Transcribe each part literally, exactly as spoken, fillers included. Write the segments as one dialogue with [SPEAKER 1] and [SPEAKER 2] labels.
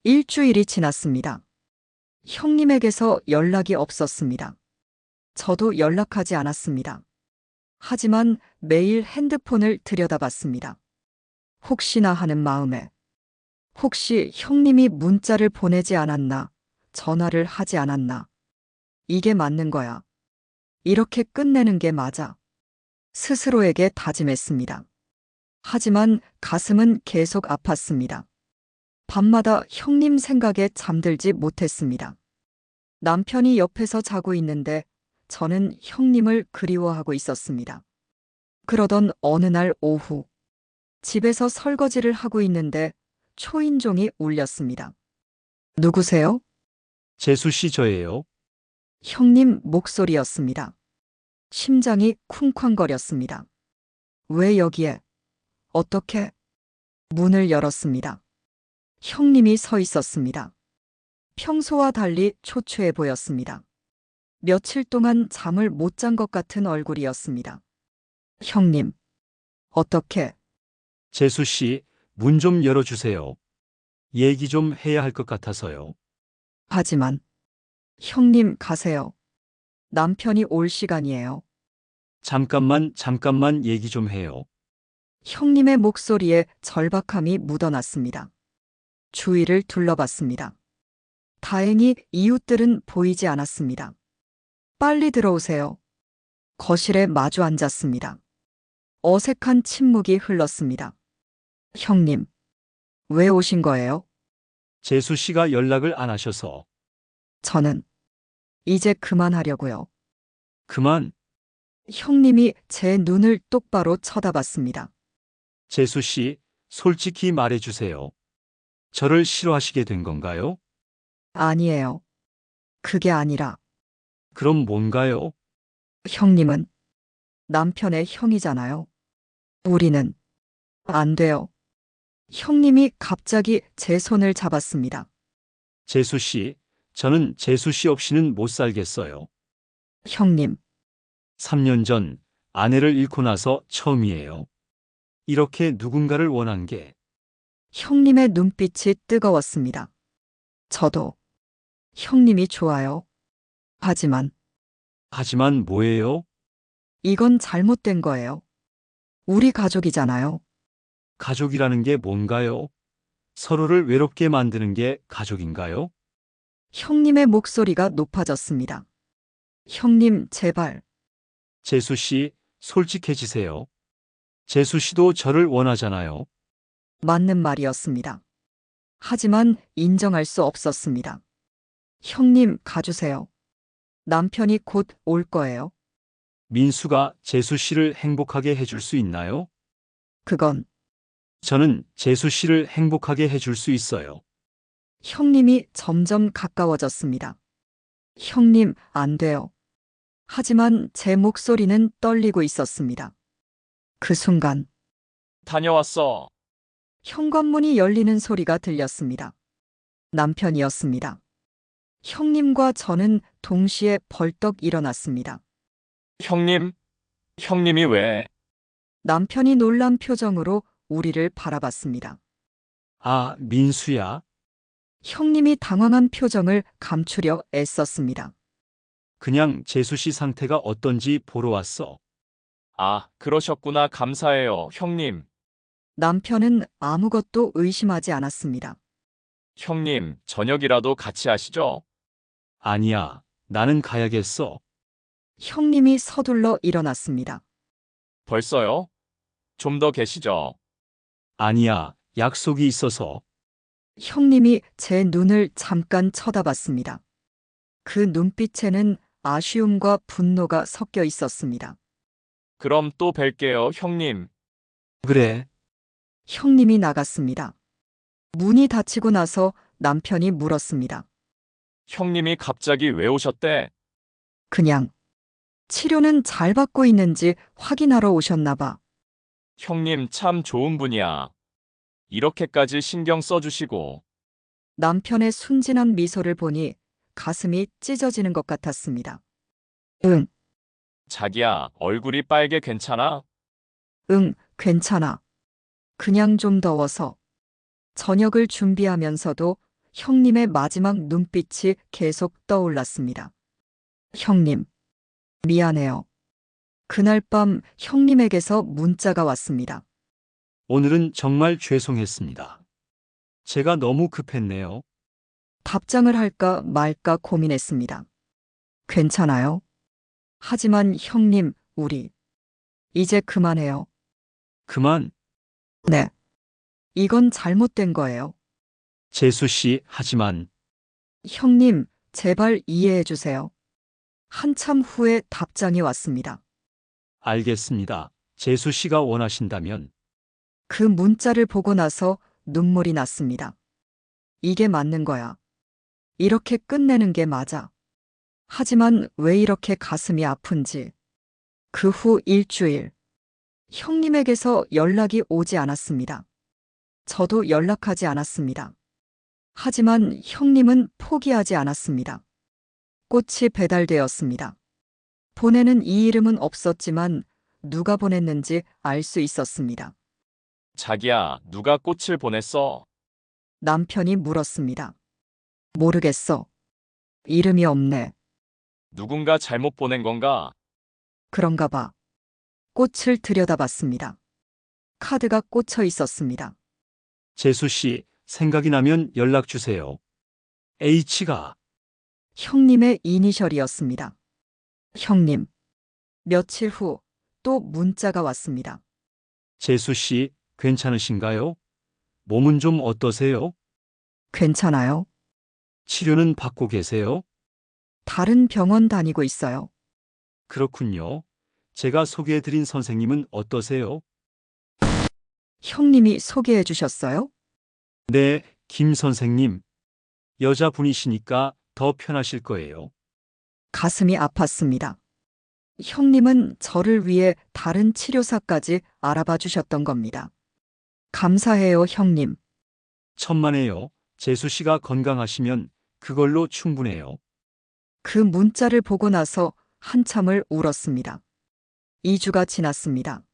[SPEAKER 1] 일주일이 지났습니다. 형님에게서 연락이 없었습니다. 저도 연락하지 않았습니다. 하지만 매일 핸드폰을 들여다봤습니다. 혹시나 하는 마음에, 혹시 형님이 문자를 보내지 않았나, 전화를 하지 않았나. 이게 맞는 거야. 이렇게 끝내는 게 맞아. 스스로에게 다짐했습니다. 하지만 가슴은 계속 아팠습니다. 밤마다 형님 생각에 잠들지 못했습니다. 남편이 옆에서 자고 있는데 저는 형님을 그리워하고 있었습니다. 그러던 어느 날 오후, 집에서 설거지를 하고 있는데 초인종이 울렸습니다. 누구세요?
[SPEAKER 2] 재수 씨 저예요.
[SPEAKER 1] 형님 목소리였습니다. 심장이 쿵쾅거렸습니다. 왜 여기에? 어떻게? 문을 열었습니다. 형님이 서 있었습니다. 평소와 달리 초췌해 보였습니다. 며칠 동안 잠을 못 잔 것 같은 얼굴이었습니다. 형님, 어떻게?
[SPEAKER 2] 재수 씨, 문 좀 열어주세요. 얘기 좀 해야 할 것 같아서요.
[SPEAKER 1] 하지만, 형님 가세요. 남편이 올 시간이에요.
[SPEAKER 2] 잠깐만, 잠깐만 얘기 좀 해요.
[SPEAKER 1] 형님의 목소리에 절박함이 묻어났습니다. 주위를 둘러봤습니다. 다행히 이웃들은 보이지 않았습니다. 빨리 들어오세요. 거실에 마주 앉았습니다. 어색한 침묵이 흘렀습니다. 형님, 왜 오신 거예요?
[SPEAKER 2] 재수 씨가 연락을 안 하셔서.
[SPEAKER 1] 저는 이제 그만하려고요.
[SPEAKER 2] 그만,
[SPEAKER 1] 형님이 제 눈을 똑바로 쳐다봤습니다.
[SPEAKER 2] 재수 씨, 솔직히 말해주세요. 저를 싫어하시게 된 건가요?
[SPEAKER 1] 아니에요. 그게 아니라
[SPEAKER 2] 그럼 뭔가요?
[SPEAKER 1] 형님은 남편의 형이잖아요. 우리는 안 돼요. 형님이 갑자기 제 손을 잡았습니다.
[SPEAKER 2] 재수 씨, 저는 재수 씨 없이는 못 살겠어요.
[SPEAKER 1] 형님,
[SPEAKER 2] 삼 년 전 아내를 잃고 나서 처음이에요. 이렇게 누군가를 원한 게.
[SPEAKER 1] 형님의 눈빛이 뜨거웠습니다. 저도 형님이 좋아요. 하지만
[SPEAKER 2] 하지만 뭐예요?
[SPEAKER 1] 이건 잘못된 거예요. 우리 가족이잖아요.
[SPEAKER 2] 가족이라는 게 뭔가요? 서로를 외롭게 만드는 게 가족인가요?
[SPEAKER 1] 형님의 목소리가 높아졌습니다. 형님, 제발.
[SPEAKER 2] 재수 씨, 솔직해지세요. 재수 씨도 저를 원하잖아요.
[SPEAKER 1] 맞는 말이었습니다. 하지만 인정할 수 없었습니다. 형님, 가주세요. 남편이 곧 올 거예요.
[SPEAKER 2] 민수가 재수 씨를 행복하게 해줄 수 있나요?
[SPEAKER 1] 그건
[SPEAKER 2] 저는 재수 씨를 행복하게 해줄 수 있어요.
[SPEAKER 1] 형님이 점점 가까워졌습니다. 형님, 안 돼요. 하지만 제 목소리는 떨리고 있었습니다. 그 순간,
[SPEAKER 3] 다녀왔어.
[SPEAKER 1] 현관문이 열리는 소리가 들렸습니다. 남편이었습니다. 형님과 저는 동시에 벌떡 일어났습니다.
[SPEAKER 3] 형님? 형님이 왜?
[SPEAKER 1] 남편이 놀란 표정으로 우리를 바라봤습니다.
[SPEAKER 2] 아, 민수야?
[SPEAKER 1] 형님이 당황한 표정을 감추려 애썼습니다.
[SPEAKER 2] 그냥 재수 씨 상태가 어떤지 보러 왔어.
[SPEAKER 3] 아, 그러셨구나. 감사해요, 형님.
[SPEAKER 1] 남편은 아무것도 의심하지 않았습니다.
[SPEAKER 3] 형님, 저녁이라도 같이 하시죠.
[SPEAKER 2] 아니야, 나는 가야겠어.
[SPEAKER 1] 형님이 서둘러 일어났습니다.
[SPEAKER 3] 벌써요? 좀 더 계시죠.
[SPEAKER 2] 아니야, 약속이 있어서.
[SPEAKER 1] 형님이 제 눈을 잠깐 쳐다봤습니다. 그 눈빛에는 아쉬움과 분노가 섞여 있었습니다.
[SPEAKER 3] 그럼 또 뵐게요, 형님.
[SPEAKER 2] 그래,
[SPEAKER 1] 형님이 나갔습니다. 문이 닫히고 나서 남편이 물었습니다.
[SPEAKER 3] 형님이 갑자기 왜 오셨대?
[SPEAKER 1] 그냥 치료는 잘 받고 있는지 확인하러 오셨나 봐.
[SPEAKER 3] 형님 참 좋은 분이야. 이렇게까지 신경 써주시고.
[SPEAKER 1] 남편의 순진한 미소를 보니 가슴이 찢어지는 것 같았습니다. 응,
[SPEAKER 3] 자기야, 얼굴이 빨개 괜찮아?
[SPEAKER 1] 응, 괜찮아. 그냥 좀 더워서. 저녁을 준비하면서도 형님의 마지막 눈빛이 계속 떠올랐습니다. 형님, 미안해요. 그날 밤 형님에게서 문자가 왔습니다.
[SPEAKER 2] 오늘은 정말 죄송했습니다. 제가 너무 급했네요.
[SPEAKER 1] 답장을 할까 말까 고민했습니다. 괜찮아요? 하지만 형님, 우리 이제 그만해요.
[SPEAKER 2] 그만,
[SPEAKER 1] 네. 이건 잘못된 거예요.
[SPEAKER 2] 재수 씨, 하지만
[SPEAKER 1] 형님, 제발 이해해 주세요. 한참 후에 답장이 왔습니다.
[SPEAKER 2] 알겠습니다. 재수 씨가 원하신다면
[SPEAKER 1] 그 문자를 보고 나서 눈물이 났습니다. 이게 맞는 거야. 이렇게 끝내는 게 맞아. 하지만 왜 이렇게 가슴이 아픈지. 그 후 일주일, 형님에게서 연락이 오지 않았습니다. 저도 연락하지 않았습니다. 하지만 형님은 포기하지 않았습니다. 꽃이 배달되었습니다. 보내는 이 이름은 없었지만 누가 보냈는지 알 수 있었습니다.
[SPEAKER 3] 자기야, 누가 꽃을 보냈어?
[SPEAKER 1] 남편이 물었습니다. 모르겠어. 이름이 없네.
[SPEAKER 3] 누군가 잘못 보낸 건가?
[SPEAKER 1] 그런가 봐. 꽃을 들여다봤습니다. 카드가 꽂혀 있었습니다.
[SPEAKER 2] 재수 씨, 생각이 나면 연락 주세요. H가
[SPEAKER 1] 형님의 이니셜이었습니다. 형님. 며칠 후 또 문자가 왔습니다.
[SPEAKER 2] 재수 씨, 괜찮으신가요? 몸은 좀 어떠세요?
[SPEAKER 1] 괜찮아요?
[SPEAKER 2] 치료는 받고 계세요?
[SPEAKER 1] 다른 병원 다니고 있어요.
[SPEAKER 2] 그렇군요. 제가 소개해드린 선생님은 어떠세요?
[SPEAKER 1] 형님이 소개해 주셨어요?
[SPEAKER 2] 네, 김 선생님. 여자분이시니까 더 편하실 거예요.
[SPEAKER 1] 가슴이 아팠습니다. 형님은 저를 위해 다른 치료사까지 알아봐 주셨던 겁니다. 감사해요, 형님.
[SPEAKER 2] 천만에요. 재수 씨가 건강하시면 그걸로 충분해요.
[SPEAKER 1] 그 문자를 보고 나서 한참을 울었습니다. 이 주가 지났습니다.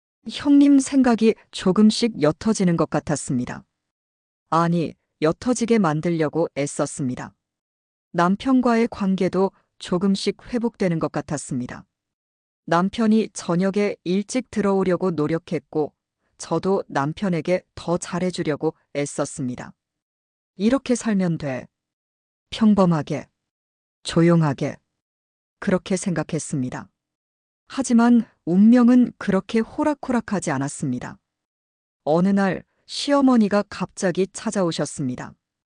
[SPEAKER 1] 형님 생각이 조금씩 옅어지는 것 같았습니다. 아니, 옅어지게 만들려고 애썼습니다. 남편과의 관계도 조금씩 회복되는 것 같았습니다. 남편이 저녁에 일찍 들어오려고 노력했고, 저도 남편에게 더 잘해주려고 애썼습니다. 이렇게 살면 돼. 평범하게, 조용하게. 그렇게 생각했습니다. 하지만 운명은 그렇게 호락호락하지 않았습니다. 어느 날 시어머니가 갑자기 찾아오셨습니다.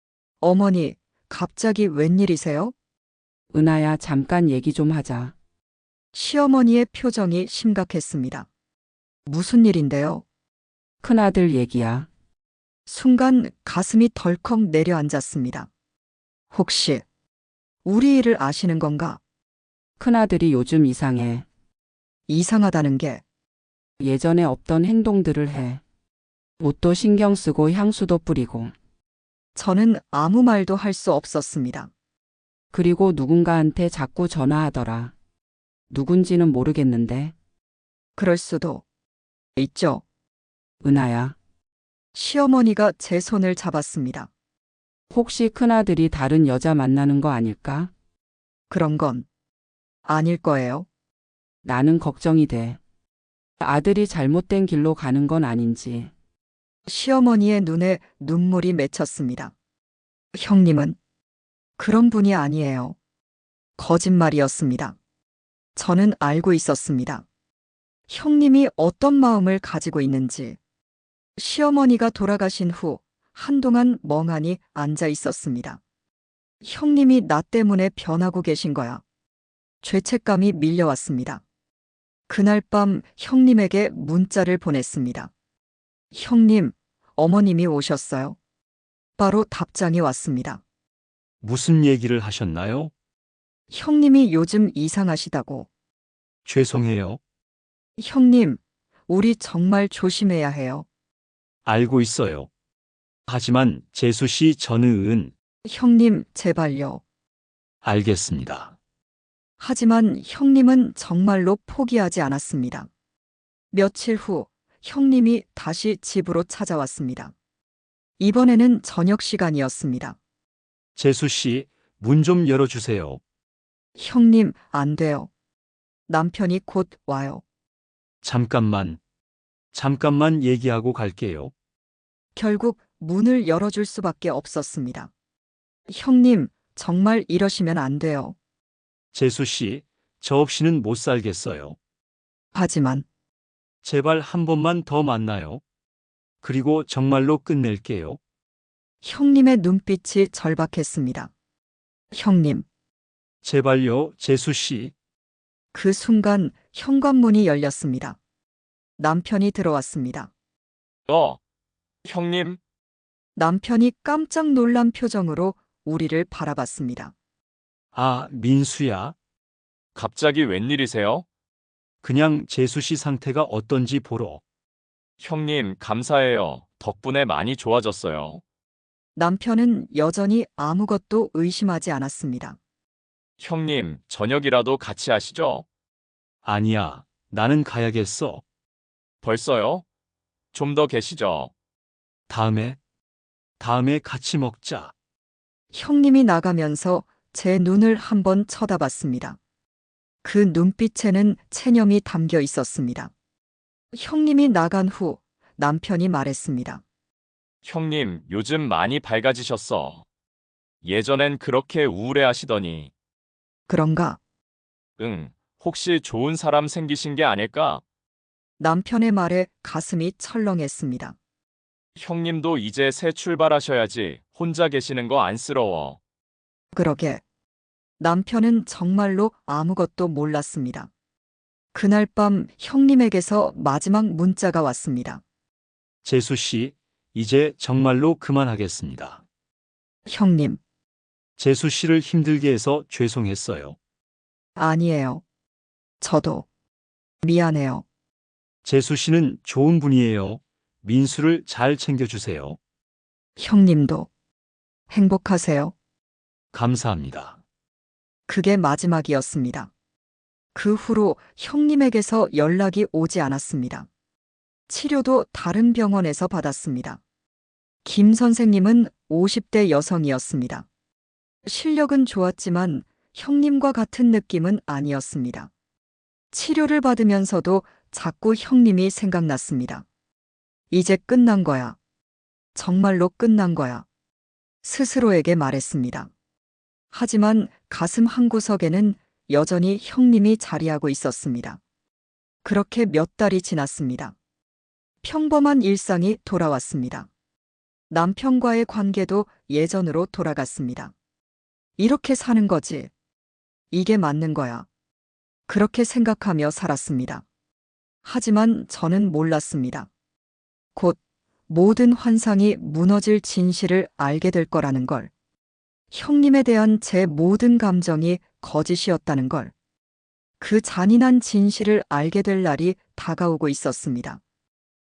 [SPEAKER 1] 어머니, 갑자기 웬일이세요?
[SPEAKER 4] 은하야, 잠깐 얘기 좀 하자.
[SPEAKER 1] 시어머니의 표정이 심각했습니다. 무슨 일인데요?
[SPEAKER 4] 큰아들 얘기야.
[SPEAKER 1] 순간 가슴이 덜컥 내려앉았습니다. 혹시 우리 일을 아시는 건가?
[SPEAKER 4] 큰아들이 요즘 이상해.
[SPEAKER 1] 이상하다는 게
[SPEAKER 4] 예전에 없던 행동들을 해. 옷도 신경 쓰고 향수도 뿌리고.
[SPEAKER 1] 저는 아무 말도 할 수 없었습니다.
[SPEAKER 4] 그리고 누군가한테 자꾸 전화하더라. 누군지는 모르겠는데.
[SPEAKER 1] 그럴 수도 있죠.
[SPEAKER 4] 은하야,
[SPEAKER 1] 시어머니가 제 손을 잡았습니다.
[SPEAKER 4] 혹시 큰아들이 다른 여자 만나는 거 아닐까?
[SPEAKER 1] 그런 건 아닐 거예요.
[SPEAKER 4] 나는 걱정이 돼. 아들이 잘못된 길로 가는 건 아닌지.
[SPEAKER 1] 시어머니의 눈에 눈물이 맺혔습니다. 형님은 그런 분이 아니에요. 거짓말이었습니다. 저는 알고 있었습니다. 형님이 어떤 마음을 가지고 있는지. 시어머니가 돌아가신 후 한동안 멍하니 앉아 있었습니다. 형님이 나 때문에 변하고 계신 거야. 죄책감이 밀려왔습니다. 그날 밤 형님에게 문자를 보냈습니다. 형님, 어머님이 오셨어요. 바로 답장이 왔습니다.
[SPEAKER 2] 무슨 얘기를 하셨나요?
[SPEAKER 1] 형님이 요즘 이상하시다고.
[SPEAKER 2] 죄송해요.
[SPEAKER 1] 형님, 우리 정말 조심해야 해요.
[SPEAKER 2] 알고 있어요. 하지만 재수 씨 저는
[SPEAKER 1] 형님, 제발요.
[SPEAKER 2] 알겠습니다.
[SPEAKER 1] 하지만 형님은 정말로 포기하지 않았습니다. 며칠 후 형님이 다시 집으로 찾아왔습니다. 이번에는 저녁 시간이었습니다.
[SPEAKER 2] 재수 씨, 문 좀 열어주세요.
[SPEAKER 1] 형님, 안 돼요. 남편이 곧 와요.
[SPEAKER 2] 잠깐만. 잠깐만 얘기하고 갈게요.
[SPEAKER 1] 결국 문을 열어줄 수밖에 없었습니다. 형님, 정말 이러시면 안 돼요.
[SPEAKER 2] 재수 씨, 저 없이는 못 살겠어요.
[SPEAKER 1] 하지만
[SPEAKER 2] 제발 한 번만 더 만나요. 그리고 정말로 끝낼게요.
[SPEAKER 1] 형님의 눈빛이 절박했습니다. 형님,
[SPEAKER 2] 제발요, 재수 씨.
[SPEAKER 1] 그 순간 현관문이 열렸습니다. 남편이 들어왔습니다.
[SPEAKER 3] 어, 형님,
[SPEAKER 1] 남편이 깜짝 놀란 표정으로 우리를 바라봤습니다.
[SPEAKER 2] 아, 민수야.
[SPEAKER 3] 갑자기 웬일이세요?
[SPEAKER 2] 그냥 재수 씨 상태가 어떤지 보러.
[SPEAKER 3] 형님, 감사해요. 덕분에 많이 좋아졌어요.
[SPEAKER 1] 남편은 여전히 아무것도 의심하지 않았습니다.
[SPEAKER 3] 형님, 저녁이라도 같이 하시죠?
[SPEAKER 2] 아니야, 나는 가야겠어.
[SPEAKER 3] 벌써요? 좀 더 계시죠?
[SPEAKER 2] 다음에, 다음에 같이 먹자.
[SPEAKER 1] 형님이 나가면서 제 눈을 한번 쳐다봤습니다. 그 눈빛에는 체념이 담겨 있었습니다. 형님이 나간 후 남편이 말했습니다.
[SPEAKER 3] 형님, 요즘 많이 밝아지셨어. 예전엔 그렇게 우울해 하시더니,
[SPEAKER 1] 그런가?
[SPEAKER 3] 응, 혹시 좋은 사람 생기신 게 아닐까?
[SPEAKER 1] 남편의 말에 가슴이 철렁했습니다.
[SPEAKER 3] 형님도 이제 새 출발하셔야지. 혼자 계시는 거 안쓰러워.
[SPEAKER 1] 그러게. 남편은 정말로 아무것도 몰랐습니다. 그날 밤 형님에게서 마지막 문자가 왔습니다.
[SPEAKER 2] 재수 씨, 이제 정말로 그만하겠습니다.
[SPEAKER 1] 형님,
[SPEAKER 2] 재수 씨를 힘들게 해서 죄송했어요.
[SPEAKER 1] 아니에요. 저도 미안해요.
[SPEAKER 2] 재수 씨는 좋은 분이에요. 민수를 잘 챙겨주세요.
[SPEAKER 1] 형님도 행복하세요.
[SPEAKER 2] 감사합니다.
[SPEAKER 1] 그게 마지막이었습니다. 그 후로 형님에게서 연락이 오지 않았습니다. 치료도 다른 병원에서 받았습니다. 김 선생님은 오십 대 여성이었습니다. 실력은 좋았지만 형님과 같은 느낌은 아니었습니다. 치료를 받으면서도 자꾸 형님이 생각났습니다. 이제 끝난 거야. 정말로 끝난 거야. 스스로에게 말했습니다. 하지만 가슴 한구석에는 여전히 형님이 자리하고 있었습니다. 그렇게 몇 달이 지났습니다. 평범한 일상이 돌아왔습니다. 남편과의 관계도 예전으로 돌아갔습니다. 이렇게 사는 거지. 이게 맞는 거야. 그렇게 생각하며 살았습니다. 하지만 저는 몰랐습니다. 곧 모든 환상이 무너질 진실을 알게 될 거라는 걸. 형님에 대한 제 모든 감정이 거짓이었다는 걸. 그 잔인한 진실을 알게 될 날이 다가오고 있었습니다.